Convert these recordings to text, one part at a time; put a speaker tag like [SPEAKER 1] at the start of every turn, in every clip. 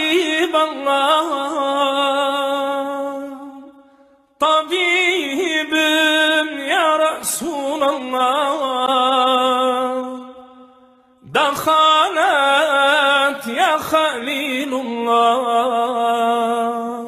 [SPEAKER 1] Habiballah, tabibim ya Resulallah, dakhalat ya Halilullah,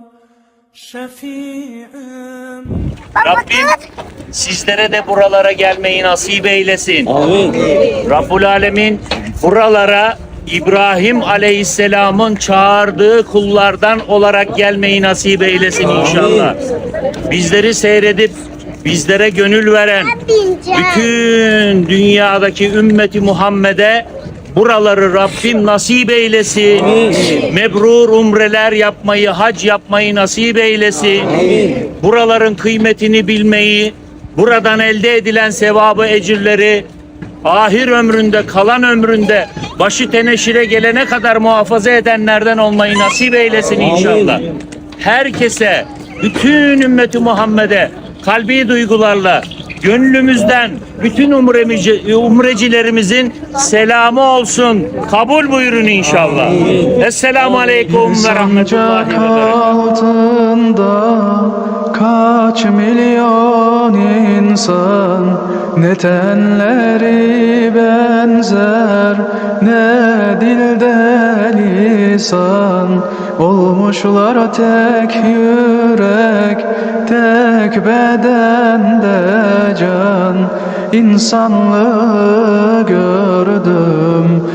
[SPEAKER 1] şefi'im.
[SPEAKER 2] Rabbim sizlere de buralara gelmeyi nasip eylesin.
[SPEAKER 3] Amin.
[SPEAKER 2] Rabbul Alemin buralara İbrahim Aleyhisselam'ın çağırdığı kullardan olarak gelmeyi nasip eylesin inşallah. Bizleri seyredip bizlere gönül veren bütün dünyadaki ümmeti Muhammed'e buraları Rabbim nasip eylesin. Mebrur umreler yapmayı, hac yapmayı nasip eylesin. Buraların kıymetini bilmeyi, buradan elde edilen sevabı, ecirleri ahir ömründe, kalan ömründe başı teneşire gelene kadar muhafaza edenlerden olmayı nasip eylesin inşallah. Herkese, bütün ümmeti Muhammed'e kalbi duygularla, gönlümüzden bütün umrecilerimizin selamı olsun. Kabul buyurun inşallah. Esselamu aleyküm ve rahmetullahi ve
[SPEAKER 4] altında kaç milyon insan, ne tenleri benzer, ne dilde lisan, olmuşlar tek yürek, tek bedende can. İnsanlığı gördüm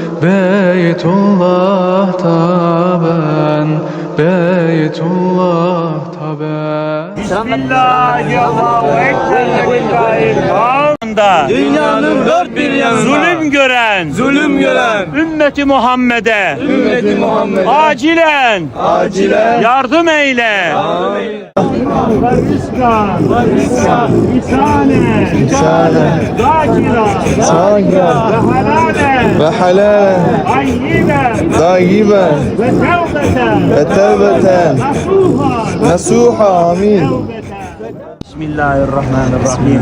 [SPEAKER 4] Beytullah'ta ben, Beytullah'ta ben.
[SPEAKER 2] Bismillahirrahmanirrahim.
[SPEAKER 3] Dünyanın dört bir yanında
[SPEAKER 2] zulüm gören ümmeti Muhammed'e acilen yardım eyle.
[SPEAKER 3] Amin.
[SPEAKER 4] Zakira ve halalen tayyiben ve tevbeten nasuha. Amin.
[SPEAKER 2] Bismillahirrahmanirrahim.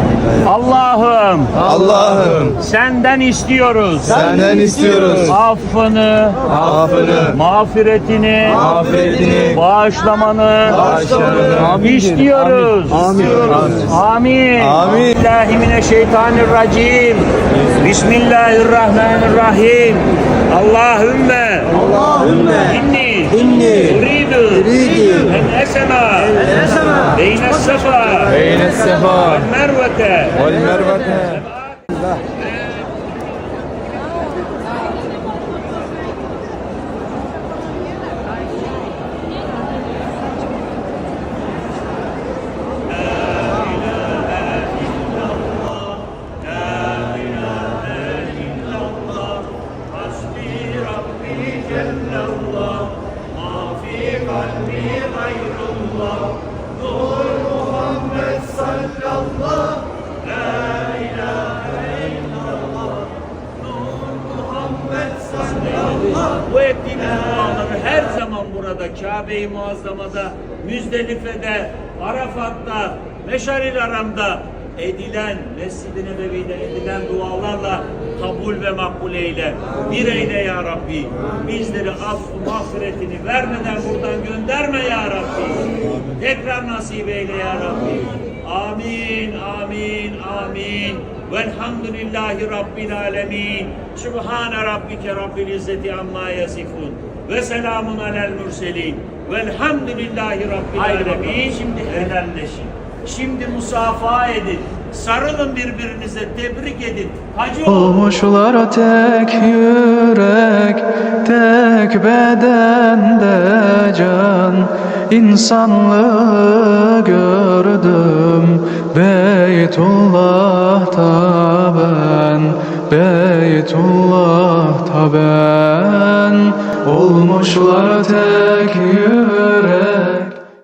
[SPEAKER 2] Allah'ım senden istiyoruz. Affını, mağfiretini, bağışlamanı istiyoruz. Amin. Bismillahirrahmanirrahim. Bismillahirrahmanirrahim. Allahümme inni uridu en esema beyne sefa vel mervete. Bu ettiğimiz duaları her zaman burada Kabe-i Muazzama'da, Müzdelife'de, Arafat'ta, Meşaril Haram'da edilen, Mescid-i Nebevi'de edilen dualarla kabul ve makbul eyle. Bir eyle ya Rabbi. Bizleri affı mağfiretini vermeden buradan gönderme ya Rabbi. Tekrar nasip eyle ya Rabbi. Amin, amin, amin. Velhamdülillahi Rabbil alemin. Sübhane Rabbike Rabbil İzzeti amma yasifun. Ve selamun alel mürselin. Velhamdülillahi Rabbil alemin. Şimdi helalleşin. Şimdi musafaha edin. Sarılın birbirinize, tebrik edin. Hacı
[SPEAKER 4] Olmuşlar tek yürek, tek bedende can. İnsanlığı gördüm Beytullah'ta ben, Beytullah'ta ben. Olmuşlar tek yürek,